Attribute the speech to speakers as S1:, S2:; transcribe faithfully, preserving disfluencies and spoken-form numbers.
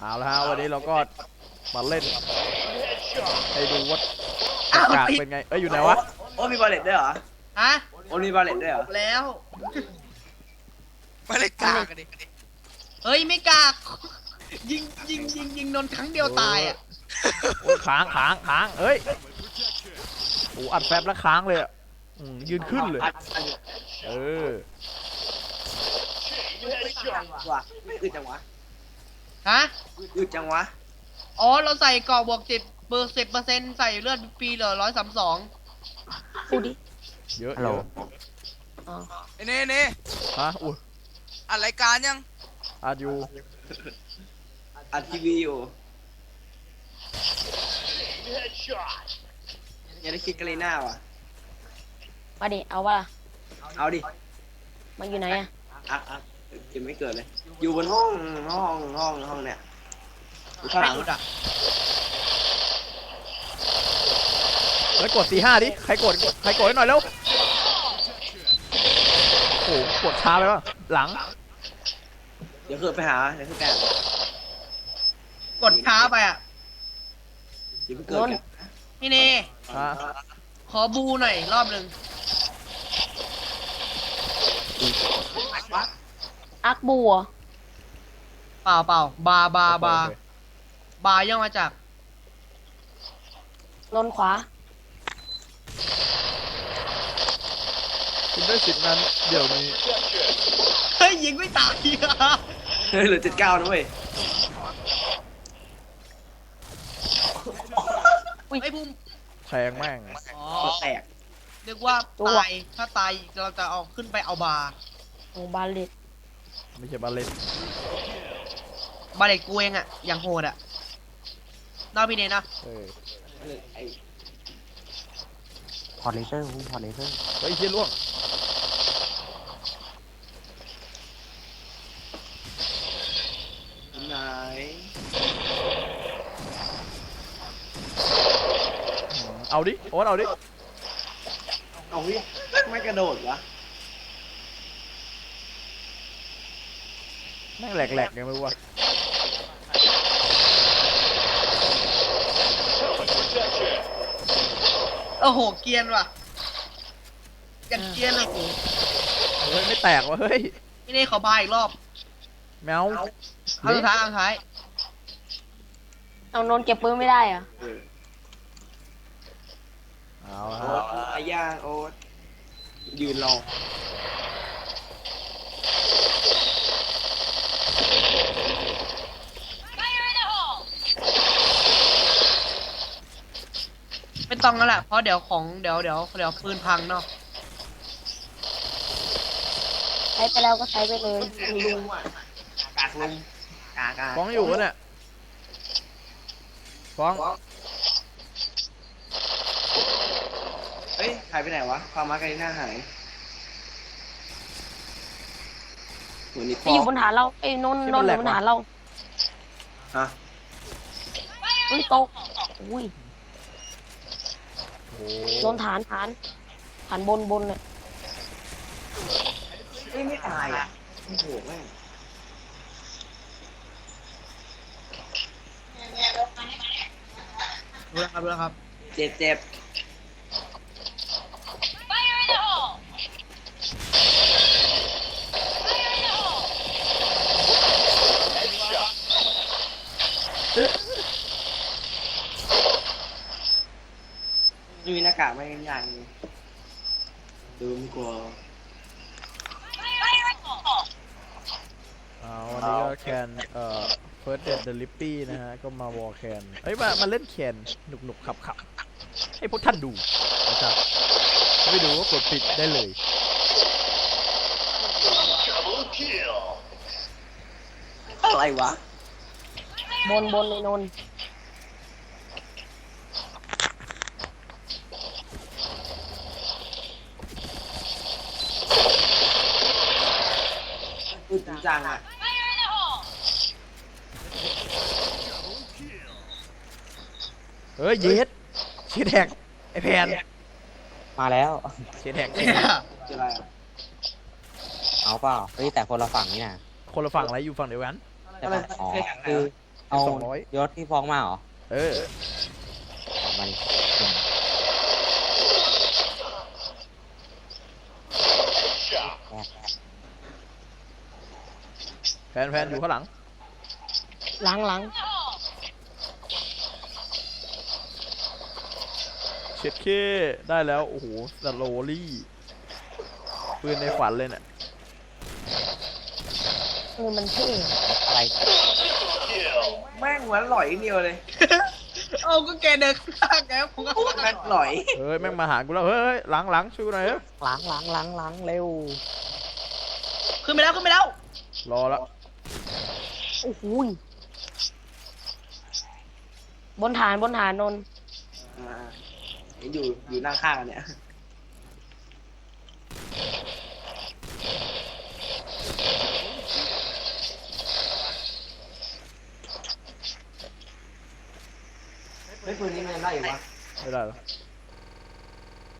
S1: เอาละฮะวันนี้เราก็มาเล่นให้ดูว่าอากาศเป็นไงเอ้ยอยู่ไหนวะ
S2: โอ้มีบอลเลตด้วยเหรอ
S3: ฮะ
S2: โอ้มีบอลเลตด้วยเหรอ
S3: แล้ว
S4: มาเลยกากกันดิ
S3: เฮ้ยไม่กากยิงยิงยิงยิงนนครั้งเดียวตายอ่ะ
S1: โอ้ยค้างค้างค้างเอ้ยโอ้อัดแฟบแล้วค้างเลยอ่ะยืนขึ้นเลยเออ
S2: ว่ะอึดจังวะ
S3: ฮะ
S2: อึดจังวะ
S3: อ๋อเราใส่กรอบบวกสิบเบอร์สิบเปอร์เซ็นต์ใส่เลือดปีเหลือร้อยสามสอง
S5: พูดดิ
S1: เยอะเยอะ
S4: ไอ้เน่เน่
S1: ฮะอุ้ย
S4: อัดรายการยัง
S1: อัดอยู่
S2: อัดทีวีอยู่ยังได้คิดกันเลยหน้าว่ะ
S5: มาดิเอาวะล่ะ
S2: เอาดิ
S5: มันอยู่ไหนอะ
S2: อ่ะอ่ะยังไม่เกิดเลยอยู่บนห้องห้องห้องห้องเนี่ยอยู่ข้างหลังอ่ะ
S1: แล้วกดสี่ห้าดิใครกดใครกดให้หน่อยเร็วโอ้กดช้าไปป่ะหลัง
S2: เดี๋ยวคือไปหาเดี๋ยวคือแก
S3: กดช้าไปอ่ะ
S2: เดี๋ยวเกิด
S3: พี่เน่ขอบูหน่อยรอบหนึ่ง
S5: อักบัว
S3: เปล่าเปล่าบาบาบาบาย่อมาจาก
S5: นนขวา
S1: คุณได้สิทธิ์นั้นเดี๋ยวนี้
S3: เฮ้ยยิงไม่ตาย
S2: เฮ้ยเหลือเจ็ดเก้านะเว้ย
S3: ไอ้ภูมิ
S1: แทงแม่ง
S3: อ๋อ
S2: แตก
S3: เรียกว่าตายถ้าตายเราจะเอาขึ้นไปเอาบา
S5: โอ้บาเลต
S1: ไม่ใช่บาเลต
S3: บาเลตกูเองอะอย่างโหดอะน่าพี่เนนะ
S1: เออ
S5: พอเลเซอร์พอเลเซอร์
S1: เฮ้ยเฮียล่วง
S2: ไหน
S1: เอาดิโอ๊ตเอาดิ
S2: เอาดิไม่กระโดดวะ
S1: แม่งแหลกๆยังไม่รู้ว่า
S3: โอ้โหเกียนว่ะยังเกียนเลย
S1: เฮ้ยไม่แตกว่ะเฮ้ย
S3: พี่เน่ขอบายอีกรอบ
S1: แมว
S3: เอาสุดท้ายเอาสุดท้าย
S5: เอานนเก็บปืนไม่ได้อะ
S1: เอา
S2: ฮะอาย่างโอ๊ตยืนรอ
S3: ไม่ต้องแล้วแหละเพราะเดี๋ยวของเดี๋ยวเดี๋ยวเดี๋ยวปืนพังเนาะ
S5: ใช้ไปแล้วก็ใช้ไปเลย
S2: ลุงอ่ะกากลุงกากา
S1: ฟ้องอยู่เนี่ยฟ้อง
S2: เฮ้ยหายไปไหนวะความมาร์กาลิน่าหายเหมือนนี่
S5: ไปอยู่บนฐานเราไอ้นนนนอยู่บนฐานเรา
S2: ฮะ
S5: อุ้ยตกอุ้ยนนฐานฐานฐานบนบนเลย
S2: เฮ้ยไม่ตายอ่ะโอ้โหแม่ง
S3: รู้แล้วครับรู้แล้วครับ
S2: เจ็บเจ็บมีหน้ากากไม่ยังยังดูไม่กลัว
S1: เอาวันนี้ก็แคนเอ่อ First Dead the Lippy นะฮะก็มาวอลแคนเอ้ยมามาเล่นแคนหนุกหนุกขับขับให้พวกท่านดูนะครับไม่ดูก็กดปิดได้เลย
S2: อะไรวะ
S5: บนบนในนน
S2: พูดจริงจังอ่ะ
S1: เฮ้ยเย็ดเชียร์แท็กไอแพน
S5: มาแล้ว
S1: เชียร์แท็ก
S2: จะอะไรอ่ะ
S5: เอาเปล่าเฮ้ยแต่คนละฝั่งนี่นะ
S1: คนละฝั่งอะไรอยู่ฝั่งเดียวกัน
S5: อ๋อคือเอา
S1: สองร้อย
S5: ยศที่ฟ้องมาเหรอ
S1: เออ
S5: มัน
S1: แฟนแฟนอยู่ข้างหลัง
S5: หลังหลัง
S1: เช็ดเคได้แล้ว โอ้โหสโลลี่ปืนในฝันเลยเนี่ย
S5: เออมันเท่อะไร
S2: แม่งเหมือนหลอยเดียวเลย
S3: เอาก็แกเดินข้างๆแกผมก็
S2: แม่งหลอย
S1: เฮ้ย แม่งมาหากูแล้ว เฮ้ย หลังหลังช่วยกูหน่อยเฮ้ย
S5: หลังหลังหลังหลังเร็ว
S3: ขึ้นไปแล้วขึ้นไปแล้ว
S1: รอแล้ว
S5: โอ้โหยบนฐานบนฐานนนท์
S2: อ่าอยู่อยู่นั่งข้างกันเนี่ย เฮ้ยปืนนี้มันยังได้อยู่วะ
S1: ไม่ได้หรอ